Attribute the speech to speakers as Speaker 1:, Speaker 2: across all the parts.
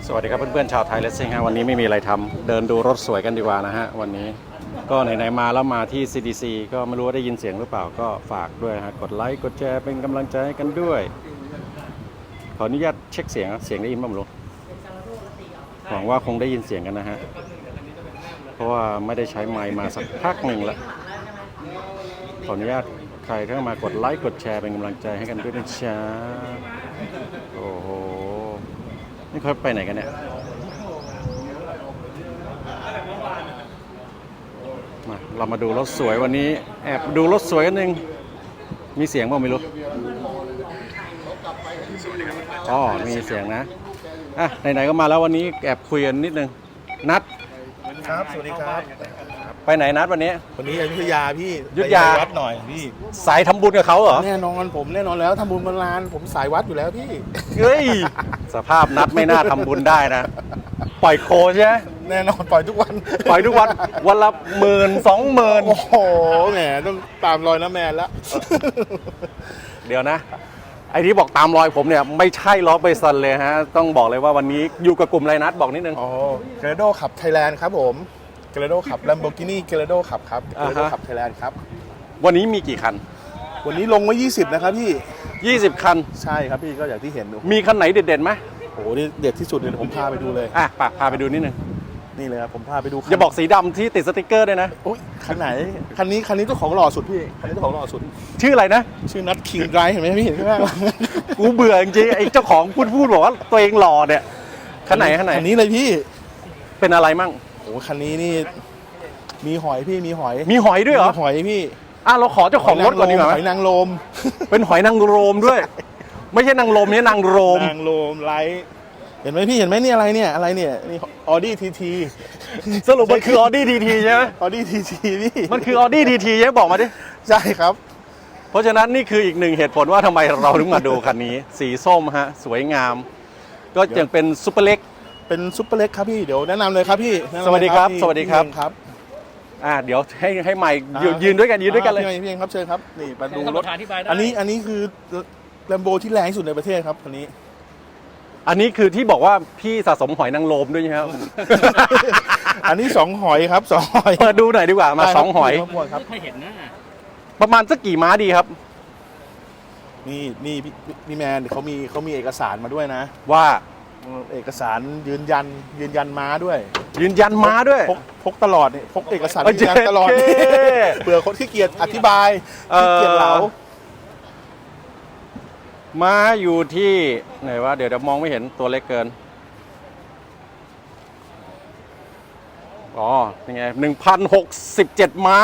Speaker 1: สวัสดีครับเพื่อนๆชาวไทยเลสซิ่งฮะวันนี้ไม่มีอะไรทำเดินดูรถสวยกันดีกว่านะฮะวันนี้ก็ไหนๆมาแล้วมาที่ CDC ก็ไม่รู้ว่าได้ยินเสียงหรือเปล่าก็ฝากด้วยฮะกดไลค์กดแชร์เป็นกำลังใจให้กันด้วยขออนุญาตเช็คเสียงได้ยินบ้างไหมหวังว่าคงได้ยินเสียงกันนะฮะเพราะว่าไม่ได้ใช้ไมค์มาสักพักหนึ่งแล้วขออนุญาตใครที่มากดไลค์กดแชร์เป็นกำลังใจให้กันด้วยนะจ๊ะโอ้โหนี่เขาไปไหนกันเนี่ยมาเรามาดูรถสวยวันนี้แอบดูรถสวยกันหนึ่งมีเสียงบ้างไม่รู้อ๋อมีเสียงนะอ่ะไหนๆก็มาแล้ววันนี้แอบคุยกันนิดนึงนัด
Speaker 2: ครับสวัสดีครับ
Speaker 1: ไปไหนนัดวันนี้
Speaker 2: อยุธยาพี่
Speaker 1: อยุธยา
Speaker 2: วัดหน่อยพี่
Speaker 1: สายทำบุญกับเขาเหรอ
Speaker 2: แน่นอนผมแน่นอนแล้วทำบุญบนลานผมสายวัดอยู่แล้วพี่
Speaker 1: เฮ้ยสภาพนัดไม่น่าทำบุญได้นะปล่อยโคใช่ไหม
Speaker 2: แน่นอนปล่อยทุกวัน
Speaker 1: วันละ10,000-20,000
Speaker 2: โอ้โหแหมต้องตามรอยน้าแมนแล้ว
Speaker 1: เดี๋ยวนะไอ้ที่บอกตามรอยผมเนี่ยไม่ใช่ล้อเบซันเลยฮะต้องบอกเลยว่าวันนี้อยู่กับกลุ่มไรนัดบอกนิดนึง
Speaker 2: อ๋อเกรโดขับไทยแลนด์ครับผมเกรโดขับ Lamborghini เกรโดขับครับเกรโดขับไทยแลนด์ครับ
Speaker 1: วันนี้มีกี่คัน
Speaker 2: วันนี้ลงไว้20นะครับพี่
Speaker 1: 20คัน
Speaker 2: ใช่ครับพี่ก็อย่างที่เห็น
Speaker 1: มีคันไหนเด็ดๆไหม
Speaker 2: โอ้โหนี่เด็ดที่สุดเลยผมพาไปดูเลย
Speaker 1: พาไปดูนิดนึง
Speaker 2: นี่เลยครับผมพาไปดู
Speaker 1: อย่าบอกสีดำที่ติดสติ๊กเกอร์ด้วยนะ
Speaker 2: โอ้ยคันไหนคันนี้เจ้าของหล่อสุดพี่คันนี้เจ้าของหล่อสุด
Speaker 1: ชื่ออะไรนะ
Speaker 2: ชื่อนัทคิงไรเห็นไหมพี่เห็นไหม
Speaker 1: กูเบื่อจริงๆไอ้เจ้าของพูดบอกว่าตัวเองหล่อเนี่ยคันไหน
Speaker 2: คันนี้เลยพี่
Speaker 1: เป็นอะไรมั่ง
Speaker 2: โอ้คันนี้นี่มีหอยพี่มีหอย
Speaker 1: ด้วยเหรอ
Speaker 2: หอยพี่
Speaker 1: เราขอเจ้าของรถก่อนดีกว่า
Speaker 2: หอยนางรม
Speaker 1: เป็นหอยนางรมด้วยไม่ใช่นางรมนี่นางรม
Speaker 2: ไลท์เห็นไหมพี่เห็นไหมนี่อะไรเนี่ยนี่ออดี้ทีที
Speaker 1: สรุปมันคือออดี้ทีทีใช่ไหม
Speaker 2: ออดี้ทีทีพี่
Speaker 1: มันคือออดี้ทีทีใช่บอกมาดิ
Speaker 2: ใช่ครับ
Speaker 1: เพราะฉะนั้นนี่คืออีกหนึ่งเหตุผลว่าทำไมเราถึงมาดูคันนี้สีส้มฮะสวยงามก็ยังเป็นซุปเปอร์เล็ก
Speaker 2: ครับพี่เดี๋ยวแนะนำเลยครับพี่
Speaker 1: สวัสดีครับเดี๋ยวให้ไมค์ยืนด้วยกันเลย
Speaker 2: พี่เองครับเชิญครับนี่มาดูรถอันนี้คือแลมโบที่แรงที่สุดในประเทศครับคันนี้
Speaker 1: อันนี้คือที่บอกว่าพี่สะสมหอยนางรมด้วยใช่ไหมครับ
Speaker 2: อันนี้2หอยครับ2หอย
Speaker 1: เปิดดูหน่อยดีกว่ามา2หอย
Speaker 2: ครับ
Speaker 1: ไม่เห็นนะประมาณสักกี่ม้าดีครับ
Speaker 2: นี่พี่แมนเขามีเอกสารมาด้วยนะ
Speaker 1: ว่า
Speaker 2: เอกสารยืนยันม้าด้วยพกตลอดเนี่ยพกเอกสารยืนยันตลอดเผื่อคนที่เกียจอธิบายที่เกียจเหลา
Speaker 1: ม้าอยู่ที่ไหนวะเดี๋ยวมองไม่เห็นตัวเล็กเกินยังไง1,067 ม้า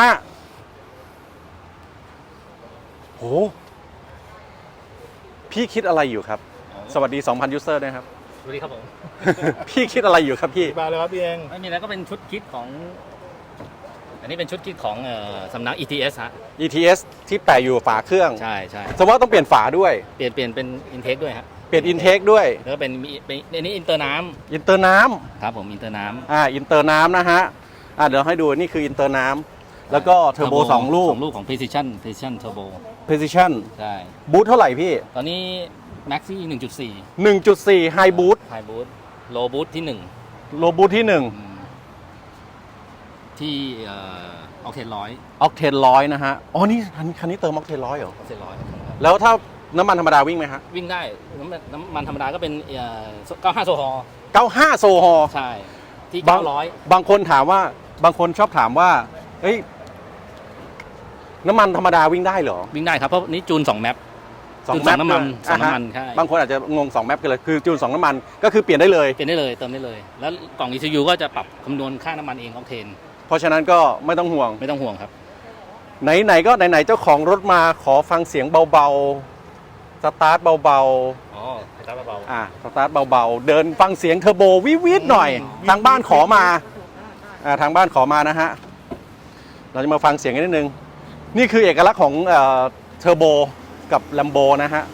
Speaker 1: โหพี่คิดอะไรอยู่ครับสวัสดี 2,000 ยูเซอร์ด้วยครับ
Speaker 3: สวัสดีครับผม
Speaker 1: พี่คิดอะไรอยู่ครับพี่
Speaker 2: มาเลยครับพี่เอง
Speaker 3: ไม่มีแล้วก็เป็นชุดคิดของอันนี้เป็นชุดคิดของสำนัก ETS ฮะ
Speaker 1: ETS ที่แปะอยู่ฝาเครื่อง
Speaker 3: ใช่
Speaker 1: แสดงว่าต้องเปลี่ยนฝาด้วย
Speaker 3: เปลี่ยนเป็นอินเทคด้วยฮะ
Speaker 1: เปลี่ยนอินเทคด้วย
Speaker 3: แล้วก็เป็นอันนี้อินเตอร์น้
Speaker 1: ำ
Speaker 3: ครับผมอินเตอร์น้
Speaker 1: ำอินเตอร์น้ำนะฮะเดี๋ยวให้ดูนี่คืออินเตอร์น้ำแล้วก็เทอร์โบ2 ลูก
Speaker 3: ของ Precision Turbo
Speaker 1: Precision
Speaker 3: ใช่
Speaker 1: บูทเท่าไหร่พี่
Speaker 3: ตอนนี้ Maxi
Speaker 1: 1.4 High Boot
Speaker 3: Low Boot ที่
Speaker 1: Low Boot ที่
Speaker 3: ที่Octane
Speaker 1: 100นะฮะนี่คันนี้เติม Octane 100เหรอ
Speaker 3: Octane 100
Speaker 1: แล้วถ้าน้ำมันธรรมดาวิ่งไหมฮะ
Speaker 3: วิ่งได้น้ำมันธรรมดาก็เป็น95 โซฮอล์
Speaker 1: 95 โซฮอล์
Speaker 3: ใช่ที่900
Speaker 1: บางคนชอบถามว่าเฮ้ยน้ำมันธรรมดาวิ่งได้เหรอ
Speaker 3: วิ่งได้ครับเพราะนี้จูน2แมปจูน2น้ำมันใช่
Speaker 1: บางคนอาจจะงง2แมปกันเลยคือจูน2น้ำมันก็คือเปลี่ยนได้เลย
Speaker 3: เติมได้เลยแล้วกล่อง ECU ก็จะปรับคำนวณค่าน้ำมันเองของเทน
Speaker 1: เพราะฉะนั้นก็ไม่ต้องห่วง
Speaker 3: ครับ
Speaker 1: ไหนเจ้าของรถมาขอฟังเสียงเบาๆสตาร์ทเบา
Speaker 3: สตาร์ทเบา
Speaker 1: สตาร์ทเบาๆเดินฟังเสียงเทอร์โบวิดหน่อยทางบ้านขอมานะฮะเราจะมาฟังเสียงกันนิดนึงนี่คือเอกลักษณ์ของเทอร์โบกับ Lambo นะฮะ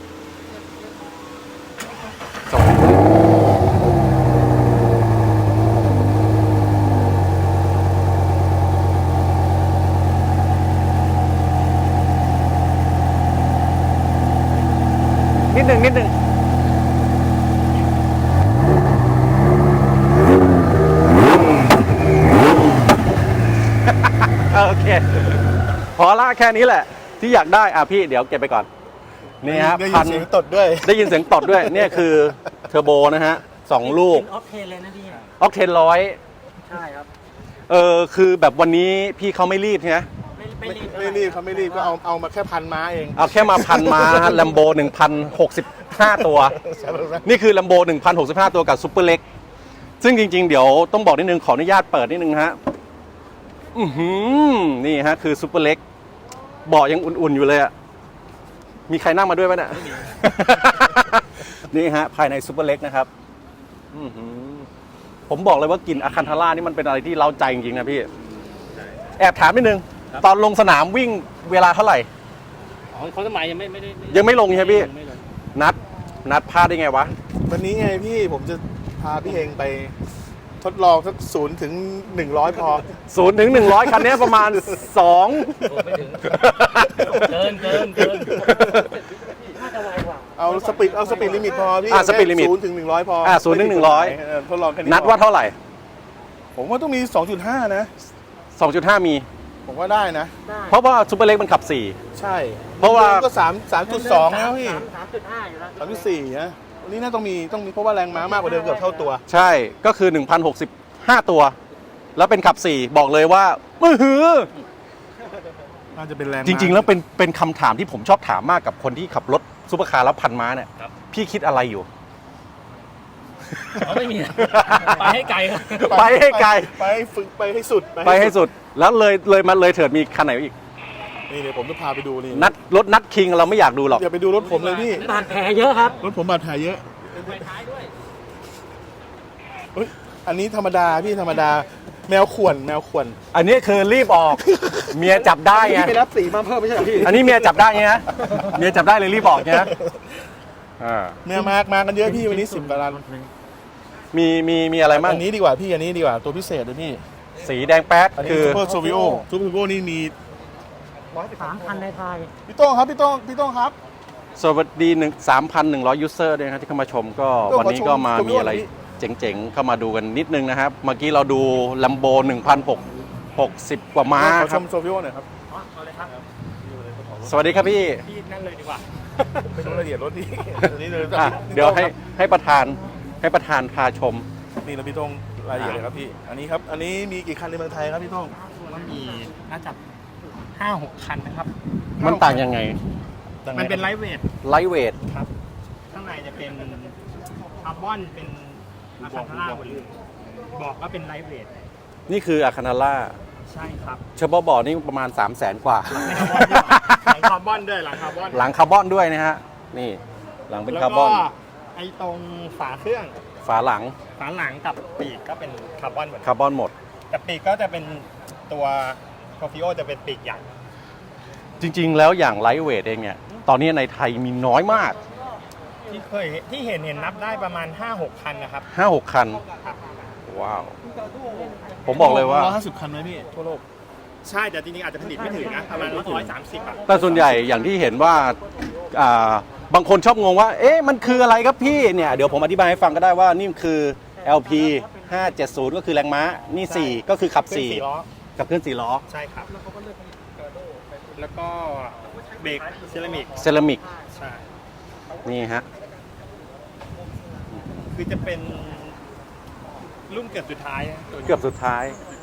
Speaker 1: นิดหนึ่งแค่นี้แหละ ที่อยากได้พี่เดี๋ยวเก็บไปก่อนนี่ฮะ
Speaker 2: ได้ยินเสียงตดด้วย
Speaker 1: ได้ยินเสียงตดด้วยเนี่ยคือเทอร์โบนะฮะ2 ลูก
Speaker 4: ออกเทนเลยนะพี่
Speaker 1: ออกเทนร้อย
Speaker 4: ใช่ครับ
Speaker 1: คือแบบวันนี้พี่เขาไม่รีบใช่ไหม
Speaker 2: ไม่รีบเขาไม่รีบก็เอามาแค่พันม้าเอง
Speaker 1: เอาแค่มาพันมาฮะแลมโบ1,065 ตัว นี่คือ Lambo 1,065 ตัวกับซูเปอร์เล็กซึ่งจริงๆ เดี๋ยวต้องบอกนิดนึงขออนุญาตเปิดนิดนึงฮะนี่ฮะคือซูเปอร์เล็กเบาะยังอุ่นๆอยู่เลยอะมีใครนั่งมาด้วยไหมเนี่ย นี่ฮะภายในซูเปอร์เล็กนะครับผมบอกเลยว่ากลิ่นอะคันทาร่านี่มันเป็นอะไรที่เร้าใจจริงๆนะพี่แอบถามนิดนึงตอนลงสนามวิ่งเวลาเท่าไหร่
Speaker 3: เขาสมัยยังไม่ได้
Speaker 1: ยังไม่ลงใช่ไหมพี่
Speaker 3: ไม่ลง
Speaker 1: นัดพลาดได้ไงวะ
Speaker 2: วันนี้ไงพี่ผมจะพาพี่เฮงไปทดลองสัก0 ถึง 100พอ
Speaker 1: 0 ถึง 100 คันนี้ประมาณ 2
Speaker 3: โอ้ไม่ถึง เกิน
Speaker 4: น่าจะไวกว่า
Speaker 2: เอาสปีดลิมิตพอพี่
Speaker 1: สปีดลิมิต
Speaker 2: 0 ถึง 100พอ
Speaker 1: 0 ถึง 100
Speaker 2: ทดลองแค่นี้
Speaker 1: นัดว่าเท่าไหร่
Speaker 2: ผมว่าต้องมี 2.5 นะ
Speaker 1: 2.5 มี
Speaker 2: ผมว่าได้นะ
Speaker 4: ได้
Speaker 1: เพราะว่าซูเปอร์เล็กมันขับ
Speaker 2: ใช่
Speaker 1: เพราะว่า
Speaker 2: ก็3.2 แล้วพี่
Speaker 4: 3.5 อยู่แล้ว
Speaker 2: 3.4 นะวันนี้น่าต้องมีเพราะว่าแรงม้ามากกว่าเดิมเกือบเท่าตัว
Speaker 1: 4 ใช่ก็คือ 1,065 ตัว แล้วเป็นขับ 4 บอกเลยว่ามือหือ
Speaker 2: น่าจะเป็นแรงม้า
Speaker 1: จริง ๆ แล้วเป็นคำถามที่ผมชอบถามมากกับคนที่ขับรถซูเปอร์คาร์แล้วพันม้าเนี่ย
Speaker 3: ครับ
Speaker 1: พี่คิดอะไรอยู่
Speaker 3: เขาไม่มี ไปให้ไกลครับ
Speaker 1: ไปให้ไกล
Speaker 2: ไปให้ฝึกไปให้สุด
Speaker 1: ไปให้สุด แล้วเลยเถิดมีคันไหนอีก
Speaker 2: นี่เดี๋ยวผมจะพาไปดูนี่
Speaker 1: รถนัดคิงเราไม่อยากดูหรอก
Speaker 2: อย่าไปดูรถผมเลยพี่
Speaker 4: บาดแผลเยอะครับ
Speaker 2: รถผมบาดแผลเยอะ
Speaker 3: ไปท้ายด้วย
Speaker 2: เฮ้ยอันนี้ธรรมดาพี่ธรรมดาแมวข่วน
Speaker 1: อันนี้คือรีบออก เมียจับได้ไง
Speaker 2: พี่ไปรับสีมาเพิ่มไม่ใช่เหรอพี่
Speaker 1: อันนี้เมียจับได้ไงนะเมียจับได้เลยรีบออกไงนะ
Speaker 2: แมวมากันเยอะพี่วันนี้10 กว่าล้าน
Speaker 1: มีอะไรบ้าง
Speaker 2: อันนี้ดีกว่าพี่อันนี้ดีกว่าตัวพิเศษเลยพี่
Speaker 1: สีแดงแป๊ด
Speaker 2: อันนี้
Speaker 1: คือ
Speaker 2: ซูเปอร์โซวิโอนี่มี
Speaker 4: 3,000 ในไทย
Speaker 2: พี่โต้งครับ
Speaker 1: สวัสดี 3,100 ยูเซอร์ด้วยนะครับที่เข้ามาชมก็
Speaker 2: ก็
Speaker 1: วันนี้ก็มา
Speaker 2: ขอชม
Speaker 1: มีอะไร
Speaker 2: พี่
Speaker 1: เจ๋งๆ เข้ามาดูกันนิดนึงนะครับ เมื่อกี้เราดู Lambo 1,660 กว่าม้า
Speaker 2: ขอ
Speaker 1: ค
Speaker 2: ช
Speaker 1: รับ
Speaker 2: มโซวิโอหน่อยครับ
Speaker 3: เอาเลยครับ
Speaker 1: สวัสดีครับพี่
Speaker 3: พี่นั่นเลยดีกว่า
Speaker 2: ไปดูรายละเอียดรถนี่อันนี้เลย
Speaker 1: เดี๋ยวให้ประธานพาชม
Speaker 2: นี่แล้วพี่โต้งรายละเอียดเลยครับพี่อันนี้ครับอันนี้มีกี่คันในเมืองไทยครับพี่โต้ง
Speaker 3: มันมีน่าจะ 5-6 คันนะครับ
Speaker 1: มันต่างยังไง
Speaker 3: มันเป็นไลท์เวท
Speaker 1: ไลท์เวท
Speaker 3: ครับ ข้างในจะเป็นคาร์บอนเป็นอะคาทาร่าหมดเลยบอกว่าเป็นไลท์เวท
Speaker 1: นี่คืออาคานาล่า
Speaker 3: ใช่ครับ
Speaker 1: เฉพาะบ่อนี่ประมาณ 300,000 กว่า
Speaker 3: หลังคาร์บอนด้วยหลังคาร์บอน
Speaker 1: หลังคาร์บอนด้วยนะฮะ นี่หลังเป็นคาร์บอน
Speaker 3: แล้วก็ไอ้ตรงฝาเครื่อง
Speaker 1: ฝาหลัง
Speaker 3: ฝาหลังกับปีกก็เป็นคาร์บอนหมด
Speaker 1: คาร์บอนหมด
Speaker 3: แต่ปีกก็จะเป็นตัวคอฟิโอจะเป็นปีกใหญ่
Speaker 1: จริงๆ แล้วอย่างไลท์เวทเองเนี่ย ตอนนี้ในไทยมีน้อยมาก
Speaker 3: ที่เห็นนับได้ประมาณ 5-6 คันนะครับ
Speaker 1: 5-6 คัน
Speaker 3: ครับ
Speaker 1: ว้าว ผมบอกเลยว่า
Speaker 2: 150 คันไหมพี่ทั่วโลก
Speaker 3: ใช่แต่จริงๆอาจจะผลิตไม่ถึงนะประมาณ130อ่ะ
Speaker 1: แต่ส่วนใหญ่อย่างที่เห็นว่าบางคนชอบงงว่า เอ๊ะ มันคืออะไรครับพี่ เนี่ย เดี๋ยวผมอธิบายให้ฟังก็ได้ว่านี่คือ LP 570 ก็คือแรงม้า นี่ 4 ก็คือขับ
Speaker 3: เครื่อง4 ล้อ
Speaker 1: กับเครื่อง4 ล้อ
Speaker 3: ใช่ครับ แล้วก็เบรกเซรามิก
Speaker 1: เซรามิก
Speaker 3: ใช่
Speaker 1: นี่ฮะ
Speaker 3: คือจะเป็นรุ่นเกือบสุดท้ายนะตัวนี้
Speaker 1: เกือบสุดท้าย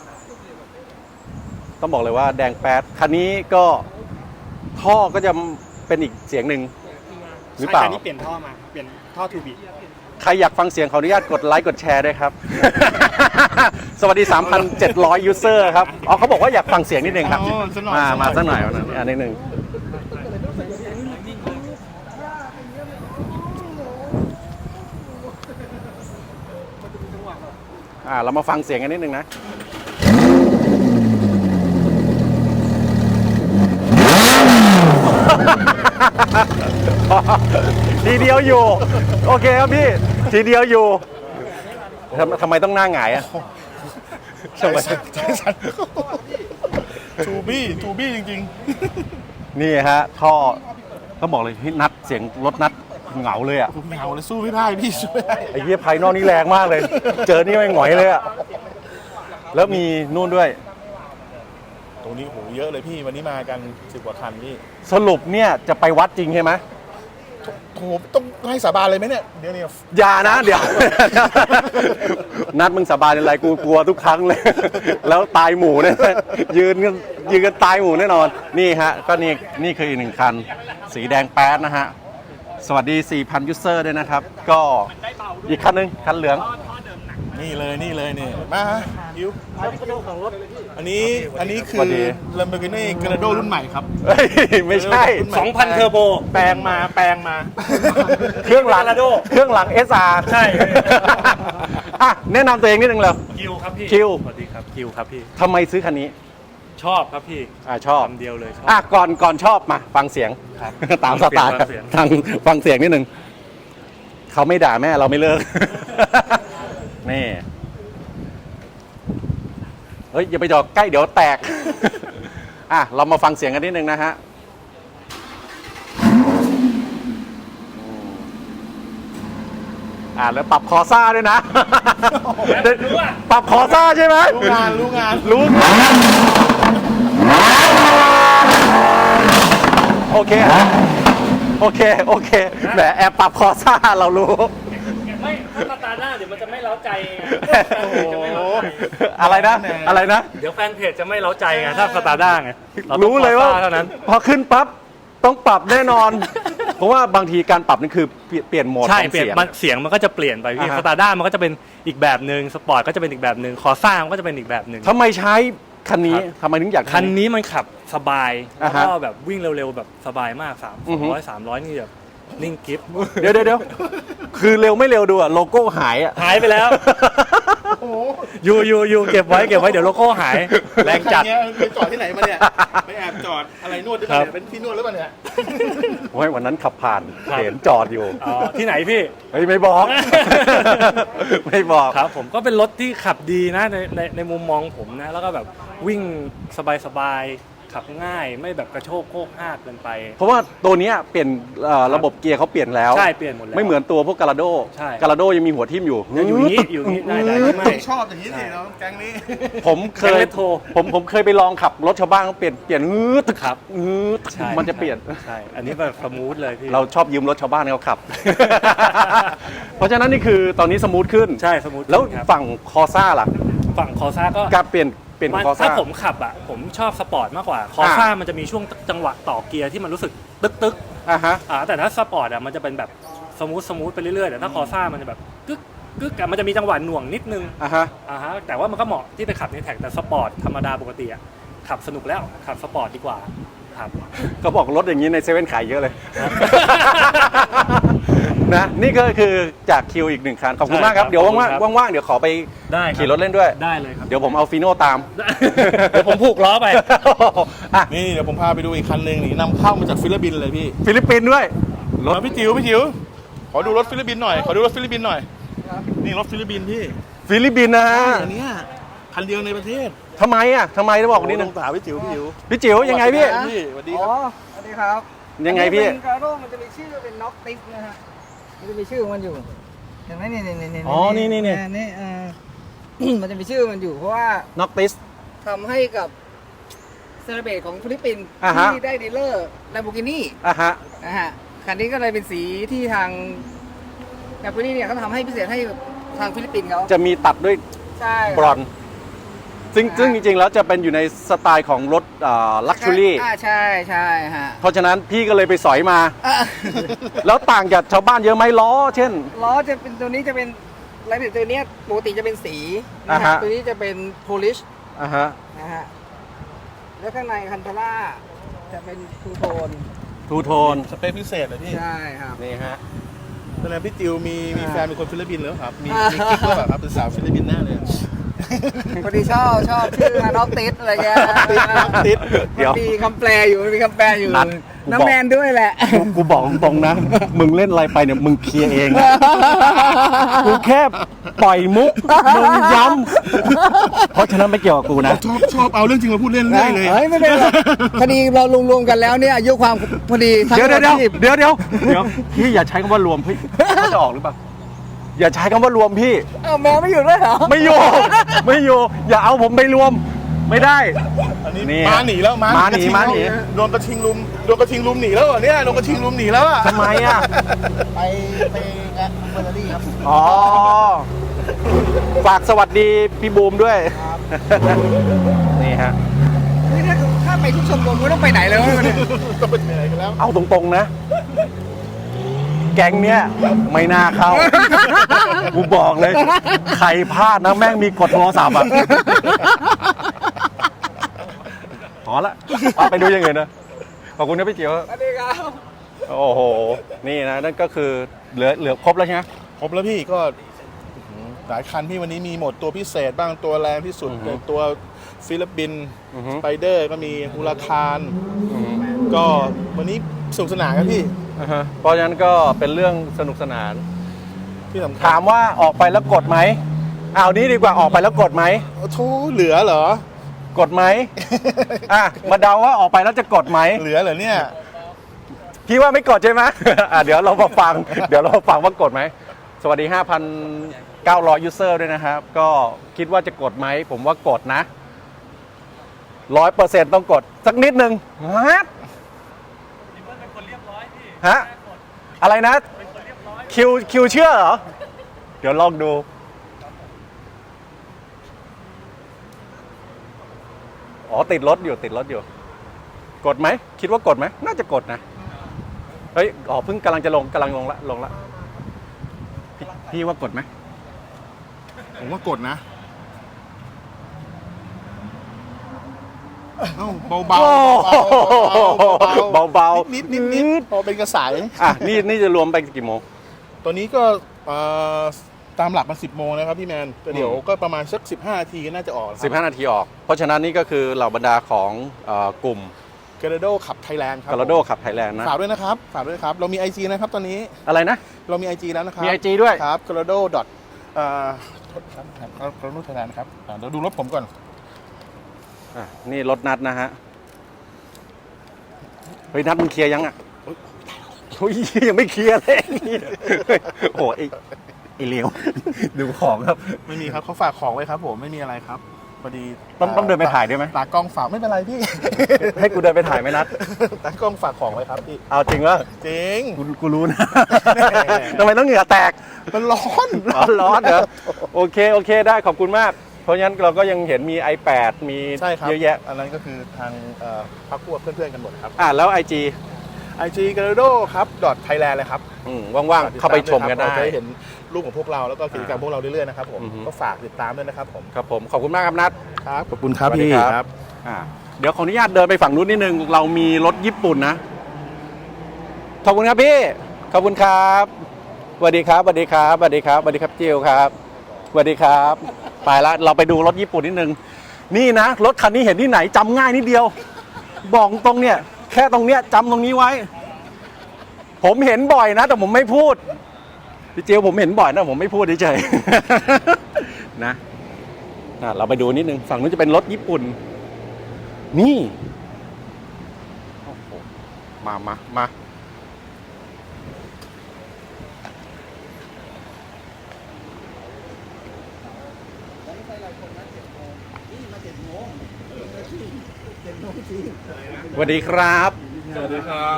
Speaker 1: ต้องบอกเลยว่าแดงแป๊ดคันนี้ก็ท่อก็จะเป็นอีกเสียงหนึ่งหรือเปล่า
Speaker 3: ใช่คันนี้เปลี่ยนท่อมาเปลี่ยนท่อทูบี
Speaker 1: ใครอยากฟังเสียงขออนุญาตกดไลค์กดแชร์ด้วยครับ สวัสดี 3,700 ยูเซอร์ครับอ๋อเขาบอกว่าอยากฟังเสียงนิดนึงครับ
Speaker 2: อ๋อสักหน่อย
Speaker 1: มาสักหน่อยนิดนึงเรามาฟังเสียงกันนิดนึงนะ ทีเดียวอยู่ โอเคครับพี่ ทีเดียวอยู่ทำไมต้องหน้าหงายอ่ะ
Speaker 2: ใจสั่นทูบี้จริง
Speaker 1: นี่ฮะท่อต้องบอกเลยพี่นัดเสียงรถนัดเหงาเลยอ่ะ
Speaker 2: ๆผมเหงาเลยสู้ไม่ได้พี่สู้ไม่ได้
Speaker 1: ไอ้เหี้ยภายนอกนี่แรงมากเลย เจอนี่ไม่หงอยเลยอ่ะแล้วมีนู่นด้วย
Speaker 2: ตรงนี้โหเยอะเลยพี่วันนี้มากัน10 กว่าคันพี่
Speaker 1: สรุปเนี่ยจะไปวัดจริงใช่ไหม
Speaker 2: โหต้องให้สาบานเลยไหมเนี่ยเดี๋ยวนี้
Speaker 1: อย่านะเดี๋ยว นัดมึงสาบานอะไรกูกลัวทุกครั้งเลย แล้วตายหมู่เนี่ยยืนกันตายหมู่แน่นอนนี่ฮะก็นี่คืออีกหนึ่งคันสีแดงแป๊ดนะฮะสวัสดี 4,000 ยูเซอร์ด้วยนะครับก็อีกคันนึงคันเหลือง
Speaker 2: นี่เลยนี่มาอิว
Speaker 4: กระดูกของรถ
Speaker 2: อันนี้คือ Lamborghini Gallardo รุ่นใหม่ครับ
Speaker 1: เฮ้ยไม่ใช่
Speaker 3: 2,000 เทอร์โบ
Speaker 2: แปลงมา
Speaker 1: เครื่องหลัง
Speaker 3: Gallardo
Speaker 1: เครื่องหลัง SR
Speaker 3: ใช่
Speaker 1: อ่ะแนะนำตัวเองนิดนึงเลย
Speaker 3: คิวครับพี่
Speaker 1: คิว
Speaker 3: สวัสดีครับคิวครับพี่
Speaker 1: ทำไมซื้อคันนี้
Speaker 3: ชอบครับพี่
Speaker 1: ชอบ
Speaker 3: คำเดียวเลยชอบ
Speaker 1: ก่อนชอบมาฟังเสียง
Speaker 3: ครับ
Speaker 1: ตามสไตล์
Speaker 3: ฟังเสียง
Speaker 1: ทางฟังเสียงนิดนึงเขาไม่ด่าแม่เราไม่เลิก นี่เฮ้ยอย่าไปจอดใกล้เดี๋ยวแตก เรามาฟังเสียงกันนิดนึงนะฮะแล้วปรับคอซ่าด้วยนะ ปรับคอซ่าใช่ไหม
Speaker 2: รู้งาน
Speaker 1: รู้งานโอเคแหมแอบปรับคอซ่าเรารู้
Speaker 3: ไม่ถ้าสตาร์หน้าเดี๋ยวมันจะไม่เล้าใจไง
Speaker 1: อะไรนะ
Speaker 3: เดี๋ยวแฟนเพจจะไม่เล้าใจไงถ้าสตาร์ด้าไงต้อง
Speaker 1: รู้เลยว่า
Speaker 3: เท่านั้น
Speaker 1: พอขึ้นปั๊บต้องปรับแน่นอน เพราะว่าบางทีการปรับนี่คือเปลี่ยนโหมด
Speaker 3: ใช่
Speaker 1: ของ
Speaker 3: เปลี่ยน
Speaker 1: เสียง
Speaker 3: เสียงมันก็จะเปลี่ยนไปพี่
Speaker 1: อ่าฮะ
Speaker 3: สตาร์ด้ามันก็จะเป็นอีกแบบหนึ่งสปอร์ตก็จะเป็นอีกแบบหนึ่งคอซ่ามันก็จะเป็นอีกแบบหนึ่ง
Speaker 1: ทำไมใช้คันนี้ทำไมถึงอยาก
Speaker 3: คันนี้มันขับสบาย
Speaker 1: อ่า
Speaker 3: แล้ว
Speaker 1: ฮะ
Speaker 3: ก็แบบวิ่งเร็วๆแบบสบายมาก
Speaker 1: อือฮึ
Speaker 3: 300นี่แบบนิ่งกิฟต์
Speaker 1: เดี๋ยวคือเร็วไม่เร็วดูอะโลโก้หายอะ
Speaker 3: หายไปแล้วอยู่เก็บไว้เดี๋ยวโลโก้หายแรงจัด
Speaker 2: คันเนี้ยไปจอดที่ไหนมาเนี่ยไปแอบจอดอะไรนวดหรือเปล่าเนี่ยเป็นที่นวดหรือเปล่าเนี่ย
Speaker 1: โอ้ยวันนั้นขับผ่าน
Speaker 3: ครับ
Speaker 1: เห็นจอดอยู่
Speaker 3: อ๋อที่ไหนพี่
Speaker 1: เฮ้ยไม่บอก ไม่บอก
Speaker 3: ครับผมก็เป็นรถที่ขับดีนะในมุมมองผมนะแล้วก็แบบวิ่งสบายๆขับง่ายไม่แบบกระโชกโคกห้ากเกินไป
Speaker 1: เพราะว่าตัวเนี้ยเปลี่ยนระบบเกียร์เขาเปลี่ยนแล้ว
Speaker 3: ใช่เปลี่ยนหมดแล้ว
Speaker 1: ไม่เหมือนตัวพวกกาลาโด
Speaker 3: ใช่
Speaker 1: กาลาโดยังมีหัวทิ่มอยู่
Speaker 3: ยังอยู่อย่างนี้ได้ไม่
Speaker 2: ชอบอย่างนี้สิเนาะแก๊งนี้
Speaker 1: ผมเคย
Speaker 3: แก๊งเรโทร
Speaker 1: ผมเคยไปลองขับรถชาวบ้านเขาเปลี่ยนฮืด
Speaker 3: ครับ
Speaker 1: ฮืด
Speaker 3: ใช่
Speaker 1: มันจะเปลี่ยน
Speaker 3: ใช่อันนี้แบบสมูทเลยพี่
Speaker 1: เราชอบยืมรถชาวบ้านเขาขับ เพราะฉะนั้นนี่คือตอนนี้สมูทขึ้น
Speaker 3: ใช่สมูท
Speaker 1: แล้ว
Speaker 3: ครับ
Speaker 1: ฝั่งคอซ่าล่ะ
Speaker 3: ฝั่งคอซ่าก็
Speaker 1: การเปลี่ยนคอซ่า
Speaker 3: ถ้าผมขับอ่ะผมชอบสปอร์ตมากกว่าคอซ่ามันจะมีช่วงจังหวะต่อเกียร์ที่มันรู้สึกตึก
Speaker 1: อ่ะฮะ
Speaker 3: แต่ถ้าสปอร์ตอ่ะมันจะเป็นแบบสมูทไปเรื่อยๆแต่ถ้าคอซ่ามันจะแบบกึกอะมันจะมีจังหวะหน่วงนิดนึง
Speaker 1: อ่ะฮะ
Speaker 3: แต่ว่ามันก็เหมาะที่ไปขับในแท็กแต่สปอร์ตธรรมดาปกติอ่ะขับสนุกแล้วขับสปอร์ตดีกว่าครับ
Speaker 1: เขาบอกรถอย่างนี้ในเซเว่นขายเยอะเลย นะนี่ก็คือจากคิวอีกหนึ่งคันขอบคุณมากครับ
Speaker 3: ใช่ครับ
Speaker 1: เดี๋ยว
Speaker 3: ขอบคุณครับ
Speaker 1: ว่างๆเดี๋ยวขอไป
Speaker 3: ได้ครับ
Speaker 1: ขี่รถเล่นด้วย
Speaker 3: ได้เลยครับ
Speaker 1: เดี๋ยวผมเอาฟีโน่ตาม
Speaker 3: เดี๋ยวผมผูกล้อไป
Speaker 1: อ่ะ
Speaker 2: นี่เดี๋ยวผมพาไปดูอีกคันหนึ่งนี่นำเข้ามาจากฟิลิปปินส์เลยพี่
Speaker 1: ฟิลิปปินส์ด้วยรถ
Speaker 2: พี่จิ๋วขอดูรถฟิลิปปินส์หน่อยนี่รถฟิลิปปินส์พี่
Speaker 1: ฟิลิปปินส์นะฮะ
Speaker 2: อันเนี้ยคันเดียวในประเทศ
Speaker 1: ทำไมจะบอกนิดนึง
Speaker 2: ถามพี่จิ๋ว
Speaker 1: พี่จิ๋วยังไงพี่
Speaker 2: สวัสดี
Speaker 4: อ๋
Speaker 2: ค
Speaker 4: อ
Speaker 2: รับ
Speaker 4: สวัสดีครับ
Speaker 1: ยังไงพี่
Speaker 4: เป็นกระโดมันจะมีชื่อเป็นน็อกติฟนะฮะมันจะมีชื่อของมันอยู่เห็นไหมนี่
Speaker 1: อ๋อนี่
Speaker 4: นี่มันจะมีชื่อมันอยู่เพราะว่า
Speaker 1: น็อกติส
Speaker 4: ทำให้กับเซเลเบตของฟิลิปปินส์
Speaker 1: อ่าฮะ
Speaker 4: ที่ได้ดีลเลอร์ Lamborghini
Speaker 1: อ่ะฮะ
Speaker 4: นะฮะคันนี้ก็เลยเป็นสีที่ทาง Lamborghini เนี่ยเขาทำให้พิเศษให้ทางฟิลิปปินส์เขา
Speaker 1: จะมีตัดด้วย
Speaker 4: ใช่
Speaker 1: บรอนซ์ซึ่งจริงๆแล้วจะเป็นอยู่ในสไตล์ของรถลักชัวรี่
Speaker 4: ใช่ฮะ
Speaker 1: เพราะฉะนั้นพี่ก็เลยไปสอยมา
Speaker 4: อ่ะ
Speaker 1: แล้วต่างจากชาวบ้านเยอะไหมล้อ เช่น
Speaker 4: ล้อจะเป็นตัวนี้จะเป็นรายละเอียดตัวเนี้ยปกติจะเป็นสีนะ
Speaker 1: อ่า
Speaker 4: ฮะ
Speaker 1: ฮะ
Speaker 4: ตัวนี้จะเป็นโพลิช
Speaker 1: อ่ะฮะ
Speaker 4: นะฮะแล้วข้างในคันธาร่าจะเป็นทูโทน
Speaker 1: ทูโทน
Speaker 2: สเปคพิเศษเลยพี่
Speaker 4: ใช่ครับ
Speaker 1: นี่ฮะ
Speaker 2: แสดงพี่จิ๋วมีแฟนเป็นคนฟิลิปปินส์แล้วครับมี
Speaker 4: อ่า
Speaker 2: กิ๊กหรือเปล่าครับเป็นสาวฟิลิปปินส์แน่เลย
Speaker 4: พอดีชอบชื่อมาน็อกติสอะไรเงี้ย
Speaker 2: ติด
Speaker 1: เดี๋ยว
Speaker 4: มันมีคำแปลอยู่
Speaker 1: นัดกูบอก
Speaker 4: น้ำแมนด้วยแหละ
Speaker 1: กูบอกตรงๆนะ มึงเล่นอะไรไปเนี่ยมึงเคลียร์เองนะกูแค่ปล่อยมุกมึงย้ำเพราะฉะนั้นไม่เกี่ยวกับกูนะ
Speaker 2: ชอบเอาเรื่องจริงมาพูดเล่นเรื่อยเลย
Speaker 4: เฮ้ยไม่เป็นไรพอดีเรารวมๆกันแล้วเนี่ยอายุความพอดีทั้ง
Speaker 1: เดี๋ยว
Speaker 4: อาชีพ
Speaker 1: พี่อย่าใช้คำว่ารวมพี่เขาจะออกหรือเปล่าอย่าใช้คำว่ารวมพี่
Speaker 4: อ้าวแมวไม่อยู่ด้วยเหรอ
Speaker 1: ไม่อยู่อย่าเอาผมไปรวมไม่ได้
Speaker 2: อันนี้
Speaker 1: นี่
Speaker 2: ม้าหนีแล้ว
Speaker 1: ม้าหนี
Speaker 2: กระทิง
Speaker 1: ม้าหนี
Speaker 2: โดนกระทิงลุมหนีแล้วเหรอเนี่ยโดนกระทิงลุมหนีแล้วอ่ะ
Speaker 1: ทำไมอ่ะ
Speaker 4: ไปแอดเบอร์รี่ครับ
Speaker 1: อ๋อ ฝากสวัสดีพี่บูมด้วย นี่ฮะ
Speaker 4: นี่ถ้าไปทุกชมรมก็ต้องไปไหนเลยวะเนี่ย
Speaker 2: ก็เป็นอะไรกันแล้ว
Speaker 1: เอาตรงๆนะ แก๊งเนี้ยไม่น่าเข้า กูบอกเลย ใครพลาดนะแม่งมีกดโทรศัพท์อ่ะพอละไปดูอย่างอื่นนะ ขอบคุณนะพี่เจียว
Speaker 4: สวัสดีครับ
Speaker 1: โอ้โห นี่นะ นั่นก็คือเหลือครบแล้วใช่ไหม
Speaker 2: ครบแล้วพี่ก็หลายคันพี่วันนี้มีหมดตัวพิเศษบ้างตัวแรงที่สุด
Speaker 1: อือฮึ
Speaker 2: ตัวฟิลิปปินส์
Speaker 1: อือฮึ
Speaker 2: สไปเดอร์ก็มีฮูลาคารก็วันนี้สนุกสนานครับพี่
Speaker 1: เพราะฉะนั้นก็เป็นเรื่องสนุกสนาน
Speaker 2: ที่สำคัญ
Speaker 1: ถามว่าออกไปแล้วกดไหมเอานี้ดีกว่าออกไปแล้วกดไหม
Speaker 2: โอ้โหเหลือเหรอ
Speaker 1: กดไหม อ่ะมาเดาว่าออกไปแล้วจะกดไหม
Speaker 2: เหลือเหรอเนี่ย
Speaker 1: พี่ว่าไม่กดใช่ไหม เดี๋ยวเรามาฟัง ว่ากดไหม สวัสดี 5,900 ยูเซอร์ด้วยนะครับ ก็คิดว่าจะกดไหม ผมว่ากดนะ 100% ต้องกด สักนิดนึงฮะฮะ อะไรนะ คิวเชื่อเหรอ เดี๋ยวลองดู อ๋อ ติดรถอยู่ กดไหม คิดว่ากดไหม น่าจะกดนะ เฮ้ย อ๋อ เพิ่งกำลังลงละพี่ว่ากดไหม
Speaker 2: ผมว่ากดนะเอ้าเบาๆ
Speaker 1: เบา
Speaker 2: นิดพอเป็นกระสาย
Speaker 1: อ่ะ นี่จะรวมไปกี่โมง
Speaker 2: ตัวนี้ก็ตามหลักมา10 โมงนะครับพี่แมนแต่เดี๋ยวก็ประมาณสัก15 นาทีก็น่าจะออกครับ
Speaker 1: 15 นาทีออก เพราะฉะนั้นนี่ก็คือเหล่าบรรดาของกลุ่ม
Speaker 2: เกเรโดขับไทยแลนด์ครับ
Speaker 1: กาลาโดขับไทยแลนด์นะ
Speaker 2: ฝากด้วยนะครับเรามี IG นะครับตอนนี้
Speaker 1: อะไรนะ
Speaker 2: เรามี IG แล้วนะครับ
Speaker 1: มี IG ด้วย
Speaker 2: ครับ g a l a d o กราโดไทยแลนด์ครับเดี๋ยวดูรถผมก่อน
Speaker 1: อ่ะ นี่รถนัดนะฮะ เฮ้ย นัดมึงเคลียร์ยังอ่ะโอ้ยยังไม่เคลียร์เลย โอ้ยไอ้เหลียว ดูของครับ
Speaker 2: ไม่มีครับเขาฝากของไว้ครับผมไม่มีอะไรครับพอดี
Speaker 1: ต้องเดินไปถ่ายด้วยไหม
Speaker 2: ตากล้องฝากไม่เป็นไรพี่
Speaker 1: ให้กูเดินไปถ่ายไหมนัด
Speaker 2: ตากล้องฝากของไว้ครับพี่
Speaker 1: เอาจริงวะ
Speaker 2: จริง
Speaker 1: กูรู้นะ ทำไมต้องเหงื่อแตก
Speaker 2: มันร้อน
Speaker 1: ร้อนเหรอโอเคได้ขอบคุณมาก เพราะฉะนั้นเราก็ยังเห็นมี iPad มี
Speaker 2: ใช่ครับ
Speaker 1: เยอะแยะ
Speaker 2: อันนั้นก็คือทางพักพวกเพื่อนๆกันหมดครับ
Speaker 1: แล้ว IG
Speaker 2: IG g a l a d o ครับ.thailand เลยครับ
Speaker 1: ว่างๆ เข้าไปชมกันได้
Speaker 2: เราจะได้เห็นรูปของพวกเราแล้วก็กิจกรรมพวกเราเรื่อยๆนะครับผม
Speaker 1: อือฮึ
Speaker 2: ก็ฝากติดตามด้วยนะครับผม
Speaker 1: ครับผมขอบคุณมากครับนัท
Speaker 2: ครับขอบคุณครับ
Speaker 1: สวัสดี
Speaker 2: พี่
Speaker 1: ครับ เดี๋ยวขออนุญาตเดินไปฝั่งนู้นนิดนึง เรามีรถญี่ปุ่นนะ ขอบคุณครับพี่ ขอบคุณครับสวัสดีครับสวัสดีครับสวัสดีครับสวัสดีครับจิวครับสวัสดีครับไปละเราไปดูรถญี่ปุ่นนิดนึงนี่นะรถคันนี้เห็นที่ไหนจำง่ายนิดเดียว บอกตรงเนี่ยแค่ตรงเนี้ยจำตรงนี้ไว้ ผมเห็นบ่อยนะแต่ผมไม่พูดพี่เจียวผมเห็นบ่อยนะผมไม่พูดเฉยๆ นะเราไปดูนิดนึงฝั่งนู้นจะเป็นรถญี่ปุ่นนี่โอ้โหมาสวัสดีครับ
Speaker 5: สวัสดีครับ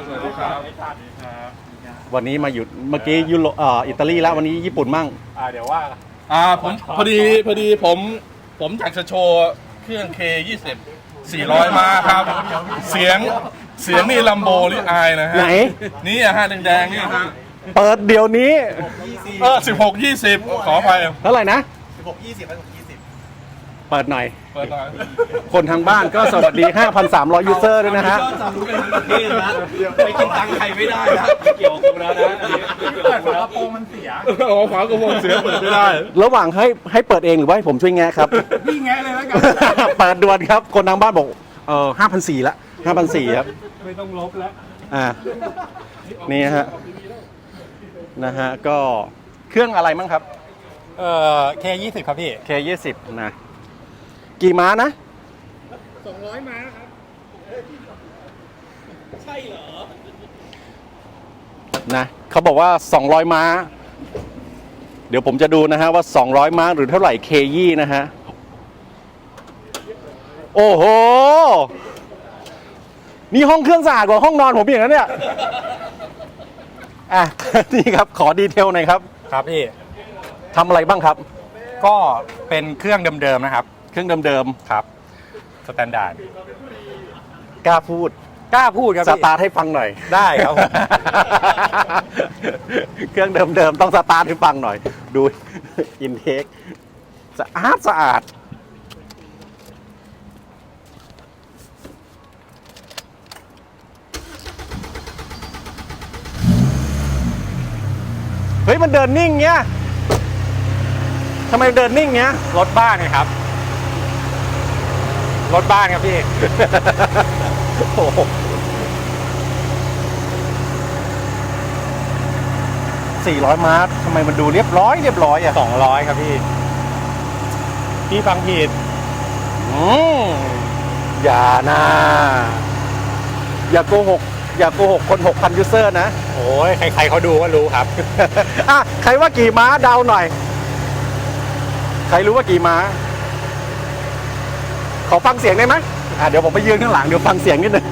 Speaker 1: วันนี้มาอยู่เมื่อกี้อิตาลีแล้ววันนี้ญี่ปุ่นมั่ง
Speaker 3: เดี๋ยวว่า
Speaker 5: ผมพอดีผมอยากจะโชว์เครื่อง K20 400 มาครับ เสียงนี่ลัมโบหรือไอนะฮะ
Speaker 1: ไหน
Speaker 5: นี่อะฮะแดงๆนี่ฮะ
Speaker 1: เปิดเดี๋ยวนี้
Speaker 5: 16-20 ขออภัย
Speaker 1: เท่าไหร่นะ
Speaker 2: 16-20
Speaker 1: เปิดหน่อย
Speaker 5: เปิดหน่อย
Speaker 1: คนทางบ้านก็สวัสดี 5,300 ยูเซอร์ด้วยนะฮะ
Speaker 3: รู้กันทั้งประเทศนะไปกินตังค์ใครไม่ได้นะไม่เกี่ยวกับกูแล้วนะเปิดฝากระโปรงมันเสีย
Speaker 5: อ๋อฝากระโปรงเสียเปิดไม่ได้
Speaker 1: ระหว่างให้เปิดเองหรือว่าให้ผมช่วยแงะครับ
Speaker 3: พี่แงะเลยแล้วกัน
Speaker 1: เปิดด่วนครับ คนทางบ้านบอก5,400ละ5,400ครับ
Speaker 3: ไม่ต้องลบแล้ว
Speaker 1: นี่ฮะนะฮะก็เครื่องอะไรมั้งครับ
Speaker 3: K20 ครับพี่
Speaker 1: K20 นะกี่ม้านะ
Speaker 3: 200 ม้าครับ ใช่เหรอ
Speaker 1: นะเขาบอกว่า 200 ม้า เดี๋ยวผมจะดูนะฮะว่า 200 ม้าหรือเท่าไหร่ K20 นะฮะโอ้โห นี่ห้องเครื่องสะอาดกว่าห้องนอนผมอีกนะเนี่ย อ่ะ นี่ครับ ขอดีเทลหน่อยครับ
Speaker 6: ครับพี่
Speaker 1: ทำอะไรบ้างครับ
Speaker 6: ก็เป็นเครื่องเดิมๆนะครับ
Speaker 1: เครื่องเดิม
Speaker 6: ครับสแตนดาร์ด
Speaker 1: ๆ กล้าพูด
Speaker 6: กล้าพูดครับ
Speaker 1: ส
Speaker 6: พี่
Speaker 1: ตาร์ทให้ฟังหน่อย
Speaker 6: ได้ครับผม
Speaker 1: เครื่องเดิมๆ ต้องสตาร์ทให้ฟังหน่อย ดูอินเทคสะอาด เฮ้ย มันเดินนิ่งเงี้ยทำไมเดินนิ่งเงี้ย
Speaker 6: รถบ้านไงครับ รถบ้านครับพี่
Speaker 1: โอ้โห400 ม้าทำไมมันดูเรียบร้อยอ่ะ
Speaker 6: 200ครับพี่ พี่ฟังผิด
Speaker 1: อืมอย่านะอย่าโกหกคน 6,000 ยูเซอร์นะ
Speaker 6: โอ้ยใครๆเขาดูก็รู้ครับ
Speaker 1: อ่ะ ใครว่ากี่ม้าเดาหน่อย ใครรู้ว่ากี่ม้า ขอฟังเสียงได้ไหมเดี๋ยวผมไปยืนข้างหลัง เดี๋ยวฟังเสียงนิดนึง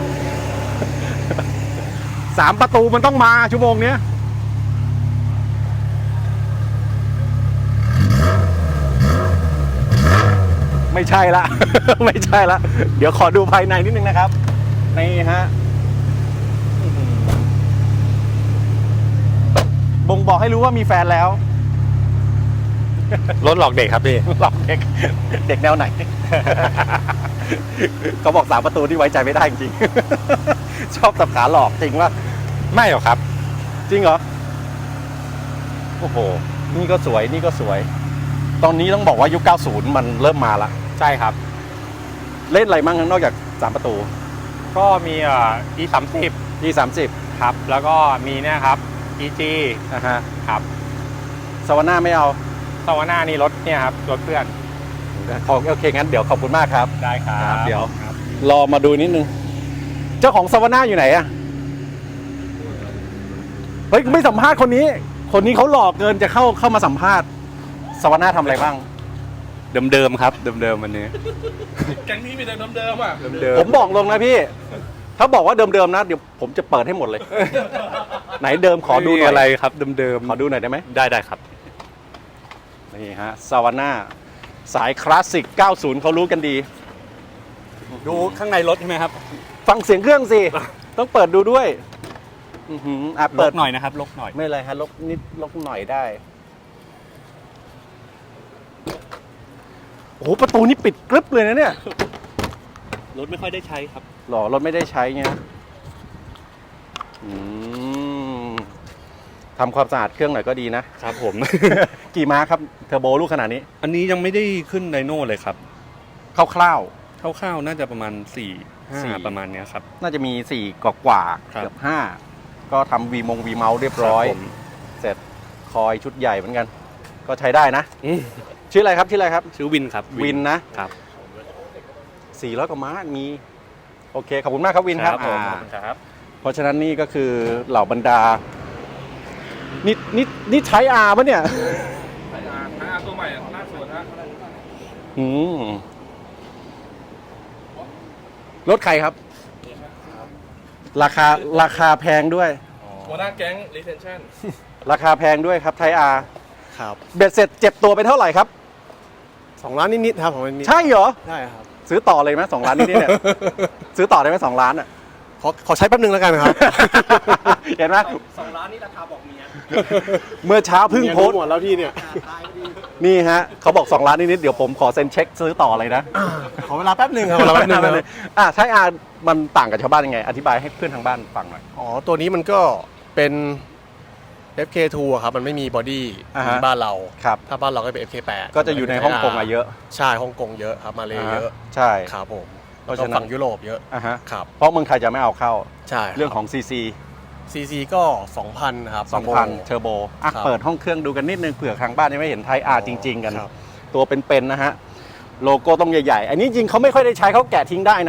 Speaker 1: 3 ประตูมันต้องมาชั่วโมงเนี้ย ไม่ใช่ละ ไม่ใช่ละ เดี๋ยวขอดูภายในนิดนึงนะครับ นี่ฮะบ่งบอกให้รู้ว่ามีแฟนแล้ว
Speaker 6: รถหลอกเด็กครับพี่
Speaker 1: หลอกเด็ก เด็กแนวไหน เขาบอก3 ประตูที่ไว้ใจไม่ได้จริงๆ ชอบสับขาหลอกจริงว่า
Speaker 6: ไม่หรอกครับ
Speaker 1: จริงเหรอ โอ้โห นี่ก็สวย นี่ก็สวย ตอนนี้ต้องบอกว่ายุค 90 มันเริ่มมาละ
Speaker 6: ใช่ครับ
Speaker 1: เล่นอะไรมั่งนอกจาก 3 ประตู
Speaker 6: ก็มีE30
Speaker 1: E30
Speaker 6: ครับ แล้วก็มีเนี่ยครับ EG
Speaker 1: นะฮะ
Speaker 6: ครับ
Speaker 1: สวาน่าไม่เอา
Speaker 6: สวาน่านี่รถเนี่ยครับ รถเพื่อน
Speaker 1: โอเค งั้นเดี๋ยวขอบคุณมากครับ
Speaker 6: ได้ครับ
Speaker 1: เดี๋ยว รอมาดูนิดนึง เจ้าของสวาน่าอยู่ไหนอะเฮ้ย ไม่สัมภาษณ์คนนี้ คนนี้เขาหลอกเกินจะเข้ามาสัมภาษณ์สวาน่าทำอะไรบ้าง
Speaker 6: เดิมๆครับ เดิมๆวันนี้
Speaker 5: แก๊งนี้มีแต่เดิมๆอ่ะ
Speaker 6: เดิม
Speaker 1: ผมบอกลงนะพี่ ถ้าบอกว่าเดิมๆนะ เดี๋ยวผมจะเปิดให้หมดเลย ไหนเดิมขอดูหน่อย
Speaker 6: อะไรครับ เดิม
Speaker 1: ขอดูหน่อยได้ไหม
Speaker 6: ๆได้ครับ
Speaker 1: นี่ฮะสวาน่าสายคลาสสิก 90 เขารู้กันดี
Speaker 6: ดูข้างในรถใช่ไหมครับ
Speaker 1: ฟังเสียงเครื่องสิ ต้องเปิดดูด้วยอื้อหือ
Speaker 6: ล
Speaker 1: เปิด
Speaker 6: กหน่อยนะครับ ลกหน่อย
Speaker 1: ไม่เลยฮะลกนิดลกหน่อยได้ โอ้โหประตูนี่ปิดกรึบเลยนะเนี่ย
Speaker 6: รถไม่ค่อยได้ใช้ครับ
Speaker 1: หรอรถไม่ได้ใช้เงี้ยทำความสะอาดเครื่องหน่อยก็ดีนะ
Speaker 6: ครับผม
Speaker 1: กี่ม้าครับเทอร์โบลูกขนาดนี้
Speaker 6: อันนี้ยังไม่ได้ขึ้นไดโน่เลยครับ
Speaker 1: คร่าว
Speaker 6: คร่าวๆน่าจะประมาณ4-5ประมาณเนี้ยครับ
Speaker 1: ๆน่าจะมี4กว่าๆ
Speaker 6: ครับ
Speaker 1: เกือบ5ก็ทำวีเมาส์เรียบร้อย
Speaker 6: คผม
Speaker 1: เสร็จคอยชุดใหญ่เหมือนกัน ก็ใช้ได้นะ ชื่ออะไรครับชื่ออะไรครับ
Speaker 6: ชื่อวินครับ
Speaker 1: วินนะครับ 400 กว่าม้ามี โอเค ขอบคุณมากครับวินครับ
Speaker 6: ผม
Speaker 1: อ่า
Speaker 6: ขอบคุณครับ
Speaker 1: เพราะฉะนั้นนี่ก็คือเหล่าบรรดา นี่ใช้อาปะเนี่ย
Speaker 5: ตัวใหม่ล่าสุดฮะ
Speaker 1: อืมรถใครครับ ราคาแพงด้วย
Speaker 5: หัวหน้าแก๊ง retention
Speaker 1: ราคาแพงด้วยครับไทยอา
Speaker 2: ครับ
Speaker 1: เบ็ดเสร็จเจ็บตัวไปเท่าไหร่ครับ
Speaker 2: 2 ล้านนิดๆครับของมันนิด
Speaker 1: ใช่เหรอ
Speaker 2: ใช่ครับ
Speaker 1: ซื้อต่อเลยไหม2 ล้านนี่เนี่ย ซื้อต่อได้ไหม2 ล้านอ่ะ
Speaker 2: ขอใช้แป๊บนึงแล้วกันครับ
Speaker 1: เห็นไหม
Speaker 4: 2 ล้านนี่ราคาบอกเมีย
Speaker 1: เมื่อเช้าเพิ่งโพสต์
Speaker 2: หมดแล้วพี่เนี่ย
Speaker 1: นี่ฮะเขาบอก2 ล้านนิดๆเดี๋ยวผมขอเซ็นเช็คซื้อต่อเลยนะ
Speaker 2: ขอเวลาแป๊บนึงครับเวลาแป๊บนึงครับ
Speaker 1: ใช่อามันต่างกับชาวบ้านยังไง อธิบายให้เพื่อนทางบ้านฟังหน่อย
Speaker 2: อ๋อ ตัวนี้มันก็เป็น FK2 อะครับ มันไม่มีบอดี้
Speaker 1: อ่า
Speaker 2: เหมื
Speaker 1: ฮะ
Speaker 2: อนบ้านเรา
Speaker 1: ครับ
Speaker 2: ถ้าบ้านเราก็เป็น FK8
Speaker 1: ก็จะอยู่ในฮ่องกงอะเยอะ
Speaker 2: ใช่ฮ่องกงเยอะครับ มาเลเยอะ
Speaker 1: ใช่
Speaker 2: ครับผม
Speaker 1: เพ
Speaker 2: แล้ว
Speaker 1: ราะ
Speaker 2: ก็
Speaker 1: ฉะนั้น
Speaker 2: ฝั่งยุโรปเยอะ
Speaker 1: อ่าฮะ
Speaker 2: ครับ
Speaker 1: เพราะเมืองไทยจะไม่เอาเข้า
Speaker 2: ใช่
Speaker 1: เรื่องของ CC
Speaker 2: CC ก็ 2,000 ครับ
Speaker 1: 2,000 เทอร์โบอ่ะ
Speaker 2: ครับ
Speaker 1: เปิดห้องเครื่องดูกันนิดนึงเผื่อทางบ้านยังไม่เห็นไทยอาร์จริง ๆ กัน
Speaker 2: ครับ
Speaker 1: ตัวเป็นๆนะฮะ โลโก้ต้องใหญ่ๆ อันนี้จริงเขาไม่ค่อยได้ใช้เขาแกะทิ้งได้นะ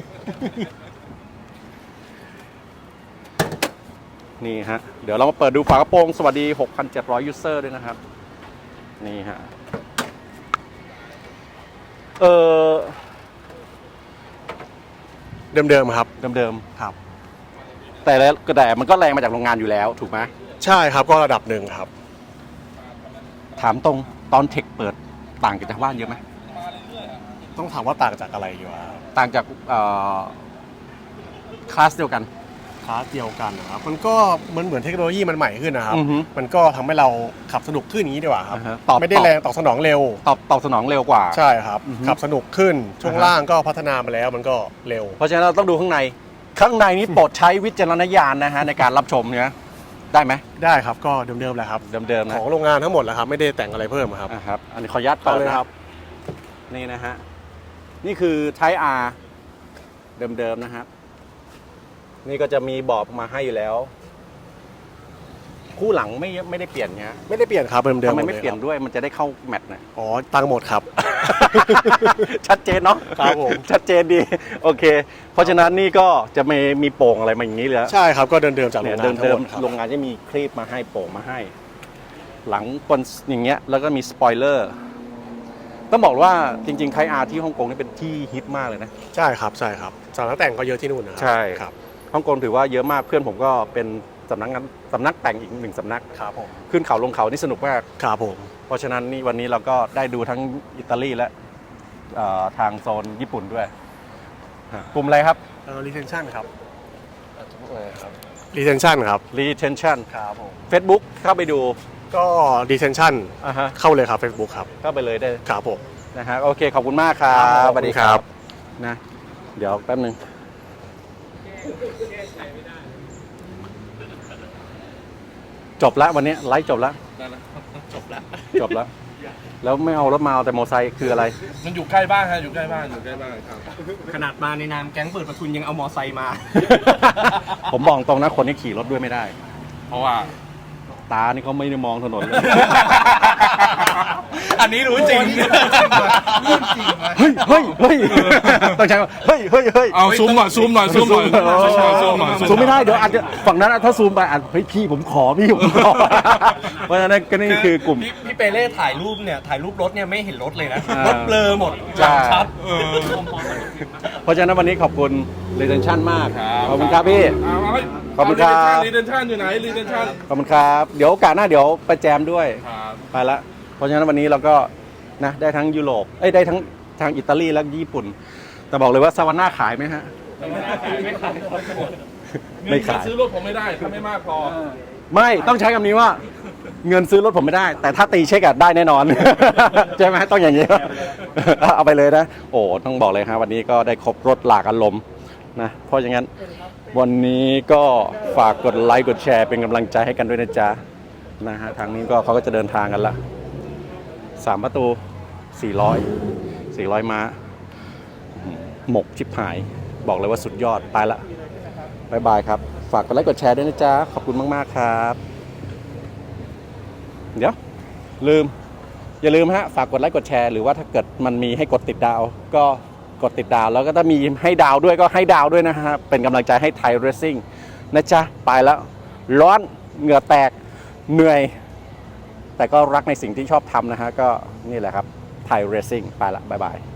Speaker 1: นี่ฮะ เดี๋ยวเรามาเปิดดูฝากระโปรงสวัสดี 6,700 ยูเซอร์ด้วยนะครับ นี่ฮะ
Speaker 7: เดิมๆครับ
Speaker 1: เดิม
Speaker 7: ครับ
Speaker 1: ๆแต่มันก็แรงมาจากโรงงานอยู่แล้วถูกไหม
Speaker 7: ใช่ครับก็ระดับหนึ่งครับ
Speaker 1: ถามตรงตอนเทคเปิดต่างจากชาวบ้านเยอะไหม
Speaker 7: ต้องถามว่าต่างจากอะไรอยู่อะ
Speaker 1: ต่างจากคลาสเดียวกัน
Speaker 7: คลาสเดียวกันนะครับมันก็เหมือนเทคโนโลยีมันใหม่ขึ้นนะครับ
Speaker 1: อือฮึ
Speaker 7: มันก็ทำให้เราขับสนุกขึ้นอย่างนี้ดีกว่าครับ
Speaker 1: อ่าฮะ
Speaker 7: ไม่ได้แรงตอบสนองเร็ว
Speaker 1: ตอบสนองเร็วกว่า
Speaker 7: ใช่ครับ
Speaker 1: อือฮึ
Speaker 7: ขับสนุกขึ้นช่วง
Speaker 1: อ่าฮะ
Speaker 7: ล่างก็พัฒนามาแล้วมันก็เร็ว
Speaker 1: เพราะฉะนั้นเราต้องดูข้างในนี้โปรดใช้วิจารณญาณนะฮะในการรับชมเนี่ยได้ไหม
Speaker 7: ได้ครับก็เดิมๆแหละครับ
Speaker 1: เดิมๆนะ
Speaker 7: ของโรงงานทั้งหมดแหละครับไม่ได้แต่งอะไรเพิ่มครับ
Speaker 1: ครับอันนี้ขออนุญาตเปิด
Speaker 7: เอาเลย
Speaker 1: นะครับ นี่นะฮะนี่คือ Type R เดิมๆนะครับนี่ก็จะมีบอบมาให้อยู่แล้ว คู่หลังไม่ได้เปลี่ยนเนี้ย
Speaker 7: ไม่ได้เปลี่ยนครับเดิมๆ
Speaker 1: ทำไม
Speaker 7: หด
Speaker 1: ไม่
Speaker 7: ล
Speaker 1: เปลี่ยน
Speaker 7: ครับ
Speaker 1: ด้วยมันจะได้เข้าแมตช์นะ
Speaker 7: อ๋อตังค์หมดครับ
Speaker 1: ชัดเจนเนาะ
Speaker 7: ครับผม
Speaker 1: ชัดเจนดีโอเค เพราะฉะนั้นนี่ก็จะมีโป่งอะไรมาอย่างนี้เลย
Speaker 7: ใช่ครับก็เดิมๆจากโร
Speaker 1: เนี่ย
Speaker 7: งงานทั้ง
Speaker 1: เดิ
Speaker 7: หม
Speaker 1: ม
Speaker 7: ดครับ
Speaker 1: ๆโรงงานจะมีคลีปมาให้โป่งมาให้ หลังบนอย่างเงี้ยแล้วก็มีสปอยเลอร์ต้องบอกว่าจริงๆไทอาร์ที่ฮ่องกงนี่เป็นที่ฮิตมากเลยนะ
Speaker 7: ใช่ครับสำนักแต่งก็เยอะที่นู่นนะครั
Speaker 1: ใช่
Speaker 7: ครับ
Speaker 1: ฮ่องกงถือว่าเยอะมากเพื่อนผมก็เป็นสำนักแต่งอีกหนึ่งสำนัก
Speaker 7: ครับผม
Speaker 1: ขึ้นเขาลงเขานี่สนุกมาก
Speaker 7: ครับผม
Speaker 1: เพราะฉะนั้นนี่วันนี้เราก็ได้ดูทั้งอิตาลีและทางโซนญี่ปุ่นด้วยกลุ่มอะไรครับ
Speaker 7: retention ครับ retention ครับ
Speaker 1: retention
Speaker 7: ครับผม
Speaker 1: Facebook เข้าไปดู
Speaker 7: ก็ retention
Speaker 1: อ่าฮะ
Speaker 7: เข้าเลยครับ Facebook ครับ
Speaker 1: เข้าไปเลยได้
Speaker 7: ครับผม
Speaker 1: นะฮะโอเคขอบคุณมากครับ
Speaker 7: ครับ
Speaker 1: สวัสดี
Speaker 7: ขอบคุณครับ
Speaker 1: นะเดี๋ยวแป๊บนึงจบแล้ววันนี้ไลฟ์จบแล้ว
Speaker 5: จบแล้ว
Speaker 1: จบแล้ว แล้วไม่เอารถมาเอาแต่มอเตอร์ไซค์คืออะไร
Speaker 5: มันอยู่ใกล้บ้านฮะอยู่ใกล้บ้านอยู่ใกล้บ้านครับ
Speaker 8: ขนาดมาในนามแก๊งเปิดประทุนยังเอามอไซค์มา
Speaker 1: ผมบอกตรงนะคนที่ขี่รถด้วยไม่ได้
Speaker 5: เพราะว่า
Speaker 1: ตานี่เขาไม่ได้มองถนนเลย
Speaker 8: อันนี้รู้จริง
Speaker 1: เฮ้ยเฮ้ยเฮ้ยต้องใช้ว่าเฮ้ยเฮ้ยเฮ้ย
Speaker 5: เอาซูมหน่อยซูมหน่อยซูมหน่อยซูมหน่อย
Speaker 1: ซูมไม่ได้เดี๋ยวอาจจะฝั่งนั้นถ้าซูมไปอาจเฮ้ยพี่ผมขอพี่ผมขอเพราะฉะนั้นก็นี่คือกลุ่ม
Speaker 8: พี่เปเล่ถ่ายรูปเนี่ยถ่ายรูปรถเนี่ยไม่เห็นรถเลยนะ
Speaker 1: อ่าร ร
Speaker 8: ถเบลอหมด
Speaker 1: ใช่
Speaker 8: ชัด
Speaker 1: เพราะฉะนั้นวันนี้ขอบคุณ retention มากขอบคุณครับพี่ ขอบคุณครับ
Speaker 5: รีเดนชั่นอยู่ไหนรีเดนชั่น
Speaker 1: ขอบคุณครับเดี๋ยวโอกาสหน้าเดี๋ยวไปแจมด้วย
Speaker 5: ครับ
Speaker 1: ไปละเพราะฉะนั้นวันนี้เราก็นะได้ทั้งยุโรปได้ทั้งทางอิตาลีและญี่ปุ่น แต่บอกเลยว่าซาวาน่าขายไหมฮะ ไม่ขาย
Speaker 5: ซื้อรถผมไม่ได้ถ้าไม่มากพอ
Speaker 1: ไม่ต้องใช้คำนี้ว่า เงินซื้อรถผมไม่ได้ แต่ถ้าตีเช็คอะได้แน่นอน ใช่ไหมต้องอย่างนี้ เอาไปเลยนะ โอ้ต้องบอกเลยฮะวันนี้ก็ได้ครบรถหลากอารมณ์นะเพราะอย่างนั้นวันนี้ก็ฝากกดไลค์กดแชร์เป็นกำลังใจให้กันด้วยนะจ๊ะนะฮะทางนี้ก็เขาก็จะเดินทางกันละ3 ประตู 400 ม้าหมกชิบหาย บอกเลยว่าสุดยอดไปละบายบายครับฝากกดไลค์กดแชร์ด้วยนะจ๊ะขอบคุณมากๆครับเดี๋ยวอย่าลืมฮะฝากกดไลค์กดแชร์หรือว่าถ้าเกิดมันมีให้กดติดดาวก็กดติดดาวแล้วก็ถ้ามีให้ดาวด้วยก็ให้ดาวด้วยนะฮะเป็นกำลังใจให้ไทยเรซซิ่งนะจ๊ะไปแล้วร้อนเหงื่อแตกเหนื่อย แต่ก็รักในสิ่งที่ชอบทำนะฮะก็นี่แหละครับไทยเรซซิ่งไปละบ๊ายบาย